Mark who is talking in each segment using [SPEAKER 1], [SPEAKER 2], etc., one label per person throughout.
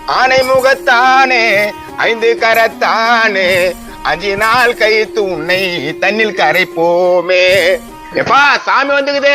[SPEAKER 1] ஆனை முகத்தானே 5 கரத்தானே 5 நாள் கழித்து உன்னை தண்ணில் கரைப்போமே. எப்பா சாமி வந்துக்குது.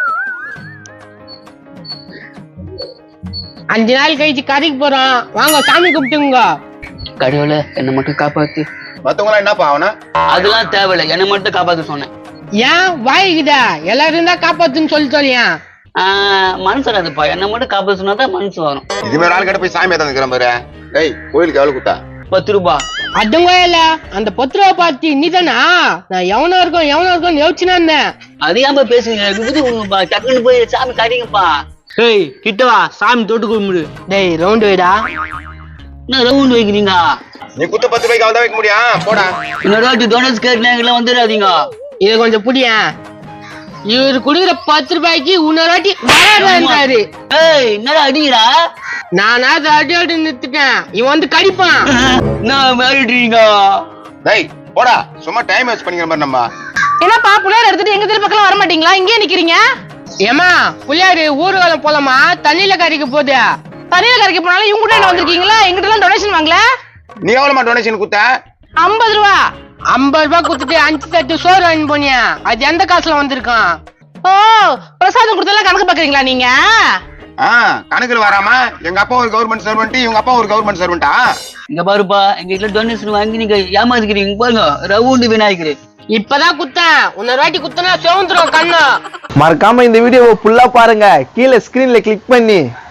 [SPEAKER 2] 5 நாள் கழிச்சு கரைக்கு போறோம், வாங்க சாமி கும்பிட்டுங்க.
[SPEAKER 3] கடவுளே என்ன மட்டும் காப்பாத்து.
[SPEAKER 1] மத்தவங்களா என்னப்பா அவனா?
[SPEAKER 3] அதெல்லாம் தேவையில்லை, என்ன மட்டும் காப்பாத்து சொன்னேன்.
[SPEAKER 2] ஏன் வாய்க்குதா? எல்லாரும் தான் காப்பாத்துன்னு சொல்லியா?
[SPEAKER 3] மனசு வராதுப்பா, என்ன மட்டும் காப்பாத்து சொன்னாதான் மனசு வரும்.
[SPEAKER 1] இதுமாரி ஆள் கிட்ட போய் சாமி ஏத்தாந்துக்கிறேன் பாரு. டேய் கோயிலுக்கு எவ்வளவு குத்தா?
[SPEAKER 3] 10 ரூபாய்.
[SPEAKER 2] அதுங்க இல்ல, அந்த 10 ரூபா பார்த்து நீதானா? நான் எவனா இருக்கும் யோசிச்சுனா இருந்தேன்.
[SPEAKER 3] அது ஏன் பேசுறீங்க? டக்குன்னு போய் சாமி காட்டிங்கப்பா.
[SPEAKER 2] ஏய் கிட்ட வா, சாமி தொட்டு கும்பிடு. டேய் ரவுண்ட் வைடா.
[SPEAKER 3] என்ன ரவுண்ட் வைக்கிறீங்க?
[SPEAKER 1] நீ குத்த 10 ரூபாய்க்கு அவள் தான் வைக்க முடியும். போடா.
[SPEAKER 3] இன்னொரு வாட்டி டோனஸ் கேட்கலாம் வந்துடாதீங்க.
[SPEAKER 2] இத கொஞ்சம் புடியா. இவரு குடுக்குற 10 ரூபாய்க்கு இன்னொரு வாட்டி வராது.
[SPEAKER 3] ஏய் என்னடா அடிக்கிறா?
[SPEAKER 2] நானா அடி நிறுத்திட்டேன், இவன் வந்து கடிப்பான்.
[SPEAKER 3] என்ன மிரட்டுறீங்க?
[SPEAKER 1] டேய் போடா, சும்மா டைம் வேஸ்ட் பண்ணிக்கிற மாதிரி. நம்ம
[SPEAKER 2] என்னப்பா புள்ளையார் எடுத்துட்டு எங்க தெரு பக்கம் வர மாட்டீங்களா? இங்கே நிக்கிறீங்க. ஏமா புள்ளையாரு ஊர்வலம் போலாமா? தண்ணியில கரைக்க போகுது. தண்ணியில கரைக்க போனாலும் இவங்க கூட என்ன வந்திருக்கீங்களா? எங்கிட்ட எல்லாம் டொனேஷன் வாங்கல.
[SPEAKER 1] நீ எவ்வளவுமா டொனேஷன் குத்த?
[SPEAKER 2] 50 ரூபா. 50 ரூபாய் குடுத்துட்டு 5 தட்டு சோறு வாங்கி போனியா? அது எந்த காசுல வந்திருக்கான்? ஓ பிரசாதம் கொடுத்தெல்லாம் கணக்கு பாக்குறீங்களா நீங்க?
[SPEAKER 1] கணக்குல வராம எங்க அப்பா ஒரு கவர்மெண்ட் சர்வெண்ட், இவங்க அப்பா ஒரு கவர்மெண்ட் சர்வெண்டா?
[SPEAKER 3] இங்க பாருப்பா, எங்க வீட்டுல டொனேஷன் வாங்கி நீங்க ஏமாத்துக்கிறீங்க பாருங்க. ரவுண்டு விநாயகர்
[SPEAKER 2] இப்பதான் குத்தேன், இன்னொரு வாட்டி குத்தனா செவந்துரும் கண்ணு.
[SPEAKER 4] மறக்காம இந்த வீடியோவை ஃபுல்லா பாருங்க. கீழே ஸ்கிரீன்ல கிளிக் பண்ணி